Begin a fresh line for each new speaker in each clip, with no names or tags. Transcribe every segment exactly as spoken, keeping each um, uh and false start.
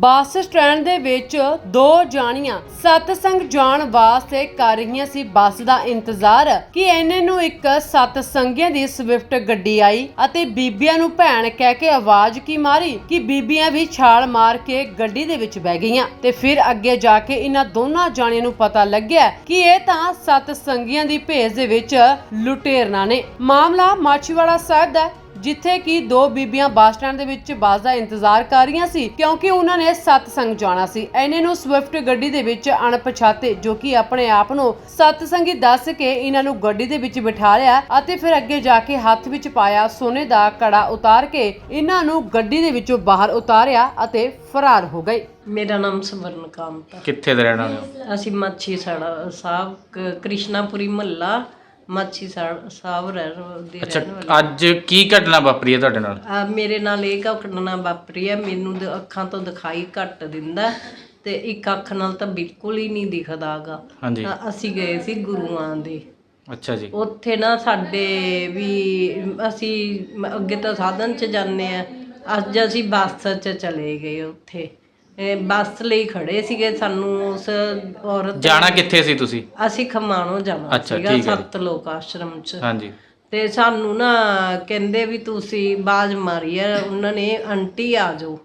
Bus stand ਦੇ ਵਿੱਚ ਦੋ ਜਾਣੀਆਂ ਸਤਸੰਗ ਜਾਣ ਵਾਸਤੇ ਕਰ ਰਹੀਆਂ ਸੀ ਬੱਸ ਦਾ ਇੰਤਜ਼ਾਰ ਕਿ ਇੰਨੇ ਨੂੰ ਇੱਕ ਸਤਸੰਗੀਆਂ ਦੀ ਸਵਿਫਟ ਗੱਡੀ ਆਈ ਅਤੇ ਬੀਬੀਆਂ ਨੂੰ ਭੈਣ ਕਹਿ ਕੇ ਆਵਾਜ਼ ਕੀ ਮਾਰੀ ਕਿ ਬੀਬੀਆਂ ਵੀ ਛਾਲ ਮਾਰ ਕੇ ਗੱਡੀ ਦੇ ਵਿੱਚ ਬਹਿ ਗਈਆਂ ਤੇ ਫਿਰ ਅੱਗੇ ਜਾ ਕੇ ਇਹਨਾਂ ਦੋਨਾਂ ਜਾਣੀਆਂ ਨੂੰ ਪਤਾ ਲੱਗਿਆ ਕਿ ਇਹ ਤਾਂ ਸਤਸੰਗੀਆਂ ਦੀ ਭੇਸ ਦੇ ਵਿੱਚ ਲੁਟੇਰਨਾ ਨੇ। ਮਾਮਲਾ ਮਾਛੀਵਾੜਾ ਸਾਹਿਬ ਦਾ, ਜਿੱਥੇ ਕਿ ਦੋ ਬੀਬੀਆਂ ਬੱਸ ਸਟੈਂਡ ਦੇ ਵਿੱਚ ਬੱਸ ਦਾ ਇੰਤਜ਼ਾਰ ਕਰ ਰਹੀਆਂ ਸੀ ਕਿਉਂਕਿ ਉਹਨਾਂ ਨੇ ਸਤਸੰਗ ਜਾਣਾ ਸੀ। ਇਹਨੇ ਨੂੰ ਸਵਿਫਟ ਗੱਡੀ ਦੇ ਵਿੱਚ ਅਣਪਛਾਤੇ ਜੋ ਕਿ ਆਪਣੇ ਆਪ ਨੂੰ ਸਤਸੰਗੀ ਦੱਸ ਕੇ ਇਹਨਾਂ ਨੂੰ ਗੱਡੀ ਦੇ ਵਿੱਚ ਬਿਠਾ ਲਿਆ ਅਤੇ ਫਿਰ ਅੱਗੇ ਜਾ ਕੇ ਹੱਥ ਵਿੱਚ ਪਾਇਆ ਸੋਨੇ ਦਾ ਕੜਾ ਉਤਾਰ ਕੇ ਇਹਨਾਂ ਨੂੰ ਗੱਡੀ ਦੇ ਵਿੱਚੋਂ ਬਾਹਰ ਉਤਾਰਿਆ ਅਤੇ ਫਰਾਰ ਹੋ ਗਏ।
ਮੇਰਾ ਨਾਮ ਸਵਰਨ ਕਾਂਤ।
ਕਿੱਥੇ ਦੇ ਰਹਿਣ ਵਾਲੇ ਹੋ?
ਅਸੀਂ ਮਾਛੀ ਸਾੜਾ ਸਾਹਿਬ ਕ- ਕ੍ਰਿਸ਼ਨਾਪੁਰੀ ਮਹੱਲਾ ਮਾਛੀ ਸਾੜ- ਸਾਹਿਬ ਰਹਿ ਦੇ
ਅੱਛਾ,
ਰਹਿਣ ਵਾਲੇ।
ਅੱਜ ਕੀ ਘਟਨਾ ਵਾਪਰੀ ਹੈ ਤੁਹਾਡੇ ਨਾਲ?
ਆ ਮੇਰੇ ਨਾਲ ਇਹ ਘਟਨਾ ਵਾਪਰੀ ਹੈ। ਮੈਨੂੰ ਦ- ਅੱਖਾਂ ਤੋਂ ਦਿਖਾਈ ਘੱਟ ਦਿੰਦਾ ਤੇ ਇੱਕ ਅੱਖ ਨਾਲ ਤਾਂ ਬਿਲਕੁਲ ਹੀ ਨਹੀਂ ਦਿਖਦਾਗਾ।
ਹਾਂਜੀ।
ਅਸੀਂ ਗਏ ਸੀ ਗੁਰੂਆਂ ਦੇ,
ਅੱਛਾ ਜੀ।
ਉੱਥੇ ਨਾ ਸਾਡੇ ਵੀ ਅਸੀਂ ਮ- ਅੱਗੇ ਤਾਂ ਸਾਧਨ 'ਚ ਜਾਂਦੇ ਆ, ਅੱਜ ਅਸੀਂ ਬੱਸ 'ਚ ਚਲੇ ਗਏ। ਉੱਥੇ ਇਹ ਬੱਸ ਲਈ ਖੜੇ ਸੀਗੇ। ਸਾਨੂੰ ਉਸ ਔਰਤ
ਜਾਣਾ ਕਿੱਥੇ ਸੀ ਤੁਸੀਂ?
ਅਸੀਂ ਖਮਾਣੋਂ ਜਾਣਾ
ਅੱਛਾ,
ਸੀਗਾ
ਠੀਕ ਹੈ।
ਸੱਤ ਲੋਕ ਆਸ਼ਰਮ 'ਚ।
ਹਾਂਜੀ।
ਤੇ ਸਾਨੂੰ ਨਾ ਕਹਿੰਦੇ ਵੀ ਤੁਸੀਂ ਆਵਾਜ਼ ਮਾਰੀ ਆ ਉਹਨਾਂ ਨੇ, ਆਂਟੀ ਆ ਜਾਓ।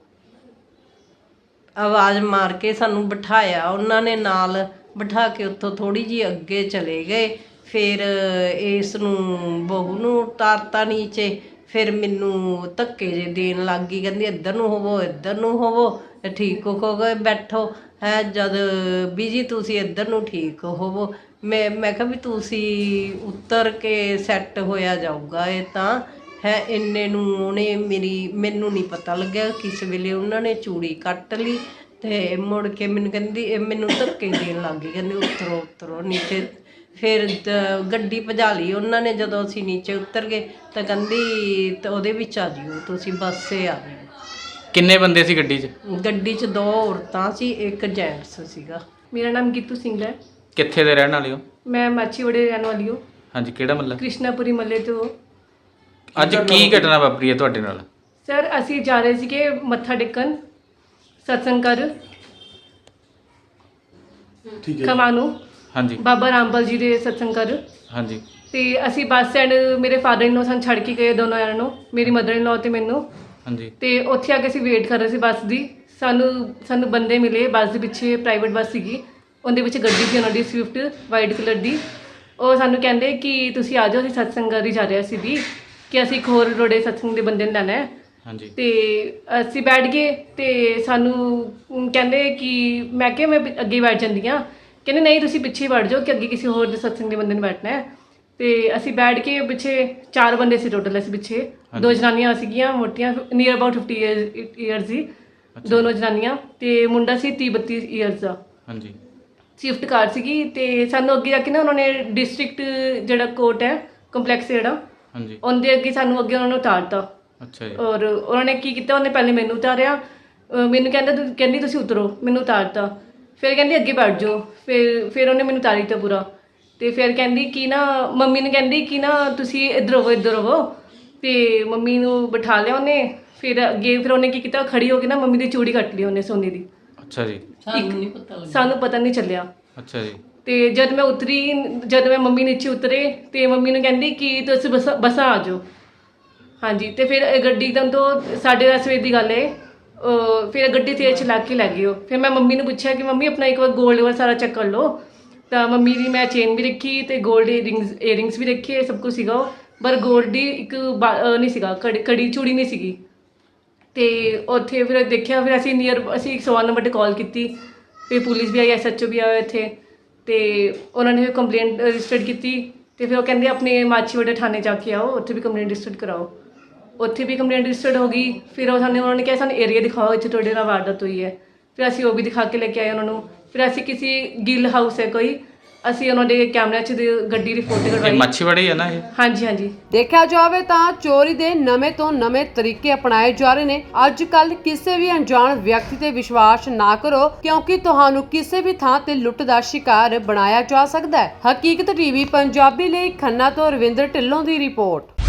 ਆਵਾਜ਼ ਮਾਰ ਕੇ ਸਾਨੂੰ ਬਿਠਾਇਆ ਉਹਨਾਂ ਨੇ, ਨਾਲ ਬਿਠਾ ਕੇ ਉੱਥੋਂ ਥੋੜੀ ਜਿਹੀ ਅੱਗੇ ਚਲੇ ਗਏ। ਫਿਰ ਇਸ ਨੂੰ ਬਹੂ ਨੂੰ ਉਤਾਰਤਾ ਨੀਚੇ। ਫਿਰ ਮੈਨੂੰ ਧੱਕੇ ਜੇ ਦੇਣ ਲੱਗ ਗਈ, ਕਹਿੰਦੀ ਇੱਧਰ ਨੂੰ ਹੋਵੋ ਇੱਧਰ ਨੂੰ ਹੋਵੋ, ਠੀਕ ਹੋ ਗਏ ਬੈਠੋ ਹੈ। ਜਦ ਬੀਜੀ ਤੁਸੀਂ ਇੱਧਰ ਨੂੰ ਠੀਕ ਹੋਵੋ, ਮੈਂ ਮੈਂ ਕਿਹਾ ਵੀ ਤੁਸੀਂ ਉੱਤਰ ਕੇ ਸੈੱਟ ਹੋਇਆ ਜਾਊਗਾ ਇਹ ਤਾਂ ਹੈ। ਇੰਨੇ ਨੂੰ ਉਹਨੇ ਮੇਰੀ ਮੈਨੂੰ ਨਹੀਂ ਪਤਾ ਲੱਗਿਆ ਕਿਸ ਵੇਲੇ ਉਹਨਾਂ ਨੇ ਚੂੜੀ ਕੱਟ ਲਈ ਤੇ ਮੁੜ ਕੇ ਮੈਨੂੰ ਕਹਿੰਦੀ ਇਹ ਮੈਨੂੰ ਧੱਕੇ ਦੇਣ ਲੱਗ ਗਈ, ਕਹਿੰਦੀ ਉਤਰੋ ਉਤਰੋ ਨੀਚੇ। ਫਿਰ ਦ- ਗੱਡੀ ਭਜਾ ਲਈ ਉਹਨਾਂ ਨੇ। ਜਦੋਂ ਅਸੀਂ ਨੀਚੇ ਉਤਰ ਗਏ ਤਾਂ ਕਹਿੰਦੀ ਤਾਂ ਉਹਦੇ ਵਿੱਚ ਆ ਜਿਓ ਤੁਸੀਂ, ਬੱਸੇ ਆ ਜਿਓ।
ਕਿੰਨੇ ਬੰਦੇ ਸੀ ਗੱਡੀ 'ਚ?
ਗੱਡੀ 'ਚ ਦੋ ਔਰਤਾਂ ਸੀ, ਇੱਕ ਜੈਂਟਸ ਸੀਗਾ।
ਮੇਰਾ ਨਾਮ ਗੀਤੂ ਸਿੰਘ ਹੈ।
ਕਿੱਥੇ ਦੇ ਰਹਿਣ ਵਾਲੇ ਹੋ?
ਮੈਂ ਮਾਛੀਵਾੜੇ ਰਹਿਣ ਵਾਲੀ ਹਾਂ।
ਹਾਂਜੀ, ਕਿਹੜਾ ਮਹੱਲਾ?
ਕ੍ਰਿਸ਼ਨਾਪੁਰੀ ਮੱਲੇ ਤੋਂ।
ਅੱਜ ਕੀ ਘਟਨਾ ਵਾਪਰੀ ਹੈ ਤੁਹਾਡੇ ਨਾਲ?
ਸਰ ਅਸੀਂ ਜਾ ਰਹੇ ਸੀਗੇ ਮੱਥਾ ਟੇਕਣ ਸਤਸੰਗ ਕਰ ਖਮਾਣੋਂ,
ਹਾਂਜੀ।
ਬਾਬਾ ਰਾਮਪਾਲ ਜੀ ਦੇ ਸਤਸੰਗ ਕਰ।
ਹਾਂਜੀ।
ਤੇ ਅਸੀਂ ਬੱਸ ਸਟੈਂਡ, ਮੇਰੇ ਫਾਦਰ ਇਨ ਲੋ ਸਾਨੂੰ ਛੱਡ ਕੇ ਗਏ ਦੋਨੋਂ ਜਣਿਆਂ ਨੂੰ, ਮੇਰੀ ਮਦਰ ਇਨ ਲੋ ਤੇ ਮੈਨੂੰ।
ਹਾਂਜੀ।
ਤੇ ਉੱਥੇ ਆ ਕੇ ਅਸੀਂ ਵੇਟ ਕਰ ਰਹੇ ਸੀ ਬੱਸ ਦੀ। ਸਾਨੂੰ ਸਾਨੂੰ ਬੰਦੇ ਮਿਲੇ ਬੱਸ ਦੇ ਪਿੱਛੇ, ਪ੍ਰਾਈਵੇਟ ਬੱਸ ਸੀਗੀ, ਉਹਦੇ ਵਿੱਚ ਗੱਡੀ ਸੀ ਉਹਨਾਂ ਦੀ ਸਵਿਫਟ ਵਾਈਟ ਕਲਰ ਦੀ। ਉਹ ਸਾਨੂੰ ਕਹਿੰਦੇ ਕਿ ਤੁਸੀਂ ਆ ਜਾਓ, ਅਸੀਂ ਸਤਸੰਗ ਕਰ ਹੀ ਜਾ ਰਹੇ ਸੀ ਵੀ, ਕਿ ਅਸੀਂ ਇੱਕ ਹੋਰ ਰੋੜੇ ਸਤਸੰਗ ਦੇ ਬੰਦੇ ਨੂੰ ਲੈਣਾ ਹੈ।
ਹਾਂਜੀ।
ਤੇ ਅਸੀਂ ਬੈਠ ਗਏ ਤੇ ਸਾਨੂੰ ਕਹਿੰਦੇ ਕਿ ਮੈਂ ਕਿਹਾ ਮੈਂ ਪਿ- ਅੱਗੇ ਬੈਠ ਜਾਂਦੀ ਹਾਂ। ਕਹਿੰਦੇ ਨਹੀਂ ਤੁਸੀਂ ਪਿੱਛੇ ਬੈਠ ਜਾਓ ਕਿ ਅੱਗੇ ਕਿਸੇ ਹੋਰ ਦੇ ਸਤਸੰਗ ਦੇ ਬੰਦੇ ਨੂੰ ਬੈਠਣਾ ਹੈ। ਤੇ ਅਸੀਂ ਬੈਠ ਕੇ ਪਿੱਛੇ ਚਾਰ ਬੰਦੇ ਸੀ ਟੋਟਲ, ਅਸੀਂ ਪਿੱਛੇ ਦੋ ਜਨਾਨੀਆਂ ਸੀਗੀਆਂ ਮੋਟੀਆਂ, ਨੀਅਰ ਅਬਾਊਟ ਫਿਫਟੀ ਈਅਰਸ ਦੀ ਦੋਨੋਂ ਜਨਾਨੀਆਂ, ਤੇ ਮੁੰਡਾ ਸੀ ਤੀਹ ਬੱਤੀ ਈਅਰਸ ਦਾ।
ਹਾਂਜੀ।
ਸਵਿਫਟ ਕਾਰ ਸੀਗੀ। ਤੇ ਸਾਨੂੰ ਅੱਗੇ ਜਾ ਕੇ ਨਾ ਉਹਨਾਂ ਨੇ ਡਿਸਟ੍ਰਿਕਟ ਜਿਹੜਾ ਕੋਰਟ ਹੈ ਕੰਪਲੈਕਸ ਜਿਹੜਾ,
ਹਾਂਜੀ।
ਉਹਦੇ ਅੱਗੇ ਸਾਨੂੰ ਅੱਗੇ ਉਹਨਾਂ ਨੂੰ ਉਤਾਰਤਾ।
ਅੱਛਾ ਜੀ।
ਔਰ ਉਹਨਾਂ ਨੇ ਕੀ ਕੀਤਾ, ਉਹਨੇ ਪਹਿਲੇ ਮੈਨੂੰ ਉਤਾਰਿਆ, ਅਹ ਮੈਨੂੰ ਕਹਿੰਦਾ ਤੂੰ ਕਹਿੰਦੀ ਤੁਸੀਂ ਉਤਰੋ, ਮੈਨੂੰ ਉਤਾਰਤਾ। ਫਿਰ ਕਹਿੰਦੀ ਅੱਗੇ ਬੈਠ ਜਾਓ। ਫਿਰ ਫਿਰ ਉਹਨੇ ਮੈਨੂੰ ਉਤਾਰੀ ਦਿੱਤਾ ਪੂਰਾ। ਤੇ ਫਿਰ ਕਹਿੰਦੀ ਕਿ ਨਾ ਮੰਮੀ ਨੂੰ ਕਹਿੰਦੀ ਕਿ ਨਾ ਤੁਸੀਂ ਇੱਧਰ ਹੋਵੋ ਇੱਧਰ ਹੋਵੋ। ਤੇ ਮੰਮੀ ਨੂੰ ਬਿਠਾ ਲਿਆ ਉਹਨੇ। ਫਿਰ ਅੱਗੇ ਫਿਰ ਉਹਨੇ ਕੀ ਕੀਤਾ, ਖੜੀ ਹੋ ਕੇ ਨਾ ਮੰਮੀ ਦੀ ਚੂੜੀ ਕੱਟ ਲਈ ਉਹਨੇ ਸੋਨੇ ਦੀ।
ਅੱਛਾ ਜੀ।
ਸਾਨੂੰ ਨਹੀਂ ਪਤਾ ਲੱਗਿਆ।
ਸਾਨੂੰ ਪਤਾ ਨਹੀਂ ਚੱਲਿਆ।
ਅੱਛਾ ਜੀ।
ਤੇ ਜਦ ਮੈਂ ਉਤਰੀ, ਜਦ ਮੈਂ ਮੰਮੀ ਨੀਚੇ ਉਤਰੇ ਤੇ ਮੰਮੀ ਨੂੰ ਕਹਿੰਦੀ ਕਿ ਤੁਸੀਂ ਬਸ ਬੱਸਾਂ ਆ ਜਾਓ। ਹਾਂਜੀ। ਤੇ ਫਿਰ ਇਹ ਗੱਡੀ ਇੱਕਦਮ ਤੋਂ ਸਾਢੇ ਦਸ ਵਜੇ ਦੀ ਗੱਲ ਹੈ। ਅਹ ਫਿਰ ਗੱਡੀ ਤੇਜ਼ ਚਲਾ ਕੇ ਲੈ ਗਈ ਉਹ। ਫਿਰ ਮੈਂ ਮੰਮੀ ਨੂੰ ਪੁੱਛਿਆ ਕਿ ਮੰਮੀ ਆਪਣਾ ਇੱਕ ਵਾਰ ਗੋਲਡ ਵਾਲਾ ਸਾਰਾ ਚੈੱਕ ਕਰ ਲਓ। ਤਾਂ ਮੰਮੀ ਦੀ ਮੈਂ ਚੇਨ ਵੀ ਰੱਖੀ ਤੇ ਗੋਲਡ ਈਅਰਿੰਗਸ ਈਅਰਿੰਗਸ ਵੀ ਰੱਖੇ, ਸਭ ਕੁਝ ਸੀਗਾ ਉਹ, ਪਰ ਗੋਲਡ ਦੀ ਇੱਕ ਬਾ- ਅਹ ਨਹੀਂ ਸੀਗਾ, ਕੜੀ ਕੜੀ ਚੂੜੀ ਨਹੀਂ ਸੀਗੀ। ਤੇ ਉੱਥੇ ਫਿਰ ਦੇਖਿਆ, ਫਿਰ ਅਸੀਂ ਨੀਅਰ ਅਸੀਂ ਇੱਕ ਸੌ ਨੰਬਰ 'ਤੇ ਕਾਲ ਕੀਤੀ। ਫਿਰ ਪੁਲਿਸ ਵੀ ਆਈ, ਐਸ ਐਚ ਓ ਵੀ ਆਇਆ ਇੱਥੇ। ਤੇ ਉਹਨਾਂ ਨੇ ਫਿਰ ਕੰਪਲੇਂਟ ਰਜਿਸਟਰਡ ਕੀਤੀ। ਤੇ ਫਿਰ ਉਹ ਕਹਿੰਦੇ ਆਪਣੇ ਮਾਛੀਵਾੜੇ ਥਾਣੇ ਜਾ ਕੇ ਆਓ, ਉੱਥੇ ਵੀ ਕੰਪਲੇਂਟ ਰਜਿਸਟਰਡ ਕਰਾਓ। ਉੱਥੇ ਵੀ ਕੰਪਲੇਂਟ ਰਜਿਸਟਰਡ ਹੋ ਗਈ। ਫਿਰ ਉਹ ਸਾਨੂੰ ਉਹਨਾਂ ਨੇ ਕਿਹਾ ਸਾਨੂੰ ਏਰੀਆ ਦਿਖਾਓ ਇੱਥੇ ਤੁਹਾਡੇ ਨਾਲ ਵਾਰਦਾਤ ਹੋਈ ਹੈ। ਫਿਰ ਅਸੀਂ ਉਹ ਵੀ ਦਿਖਾ ਕੇ ਲੈ ਕੇ ਆਏ ਉਹਨਾਂ ਨੂੰ। ਫਿਰ ਅਸੀਂ ਕਿਸੇ ਗਿੱਲ ਹਾਊਸ ਹੈ ਕੋਈ, ਅਸੀਂ ਉਹਨਾਂ ਦੇ ਕੈਮਰਿਆਂ 'ਚ ਗੱਡੀ ਦੀ ਫੋਟੋ
ਇਹ
ਕਢਵਾਈ।
ਮੱਛੀਵਾੜੀ ਹੈ ਨਾ ਇਹ?
ਹਾਂਜੀ ਹਾਂਜੀ।
ਦੇਖਿਆ ਜਾਵੇ ਤਾਂ ਚੋਰੀ ਦੇ ਨਵੇਂ ਤੋਂ ਨਵੇਂ ਤਰੀਕੇ ਅਪਣਾਏ ਜਾ ਰਹੇ ਨੇ। ਅੱਜ ਕੱਲ ਕਿਸੇ ਵੀ ਅਣਜਾਣ ਵਿਅਕਤੀ ਤੇ ਵਿਸ਼ਵਾਸ ਨਾ ਕਰੋ ਕਿਉਂਕਿ ਤੁਹਾਨੂੰ ਕਿਸੇ ਵੀ ਥਾਂ ਤੇ ਲੁੱਟ ਦਾ ਸ਼ਿਕਾਰ ਬਣਾਇਆ ਜਾ ਸਕਦਾ ਹੈ। ਹਕੀਕਤ ਟੀਵੀ ਪੰਜਾਬੀ ਲਈ ਖੰਨਾ ਤੋਂ ਰਵਿੰਦਰ ਢਿੱਲੋਂ ਦੀ ਰਿਪੋਰਟ।